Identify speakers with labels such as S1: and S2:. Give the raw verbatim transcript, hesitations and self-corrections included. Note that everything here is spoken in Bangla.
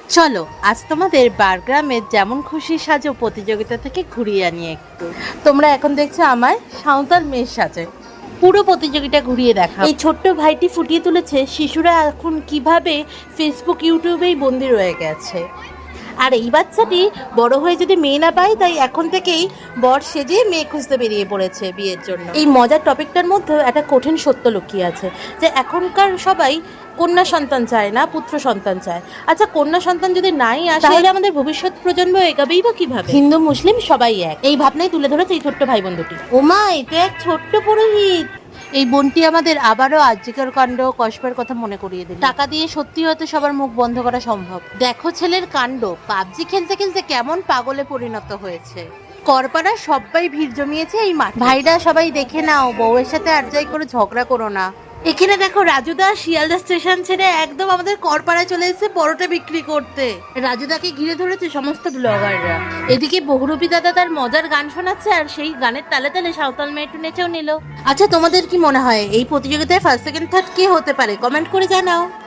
S1: চলো আজ তোমাদের বারগ্রামের যেমন খুশি সাজো প্রতিযোগিতা থেকে ঘুরিয়ে আনি একটু। তোমরা এখন দেখছো আমার সাঁওতাল মেয়ের সাজে, পুরো প্রতিযোগিতা ঘুরিয়ে দেখা। এই ছোট্ট ভাইটি ফুটিয়ে তুলেছে শিশুরা এখন কিভাবে ফেসবুক ইউটিউবেই বন্দি রয়ে গেছে। আর এই বাচ্চাটি বড় হয়ে যদি মেয়ে না পায়, তাই এখন থেকেই বর সেজে মেয়ে খুঁজতে বেরিয়ে পড়েছে বিয়ের জন্য। এই মজার টপিকটার মধ্যে একটা কঠিন সত্য লুকিয়ে আছে যে এখনকার সবাই কন্যা সন্তান চায় না, পুত্র সন্তান চায়। আচ্ছা, কন্যা সন্তান যদি নাই আসে তাহলে আমাদের ভবিষ্যৎ প্রজন্ম এগাবেই বা কিভাবে? হিন্দু মুসলিম সবাই এক, এই ভাবনাই তুলে ধরেছে এই ছোট্ট ভাই বন্ধুটি। ওমা, এটা এক ছোট্ট পুরোহিত। এই বোনটি আমাদের আবারও আর্যিকর কাণ্ড কসবার কথা মনে করিয়ে দিল। টাকা দিয়ে সত্যি হয়তো সবার মুখ বন্ধ করা সম্ভব। দেখো ছেলের কাণ্ড, পাবজি খেলতে খেলতে কেমন পাগলে পরিণত হয়েছে। করপাড়া সবাই ভিড় জমিয়েছে এই মাঠ। ভাইরা সবাই দেখে নাও, বউয়ের সাথে আর যাই করে ঝগড়া করো না। এখানে দেখো রাজুদা শিয়ালদা স্টেশন ছেড়ে একদম আমাদের করপাড়ায় চলে এসেছে পরোটা বিক্রি করতে। রাজুদাকে ঘিরে ধরেছে সমস্ত ব্লগাররা। এদিকে বহুরূপী দাদা তার মজার গান শোনাচ্ছে, আর সেই গানের তালে তালে সাঁওতাল মেয়েটু নেচেও নিল। আচ্ছা, তোমাদের কি মনে হয় এই প্রতিযোগিতায় ফার্স্ট সেকেন্ড থার্ড কে হতে পারে? কমেন্ট করে জানাও।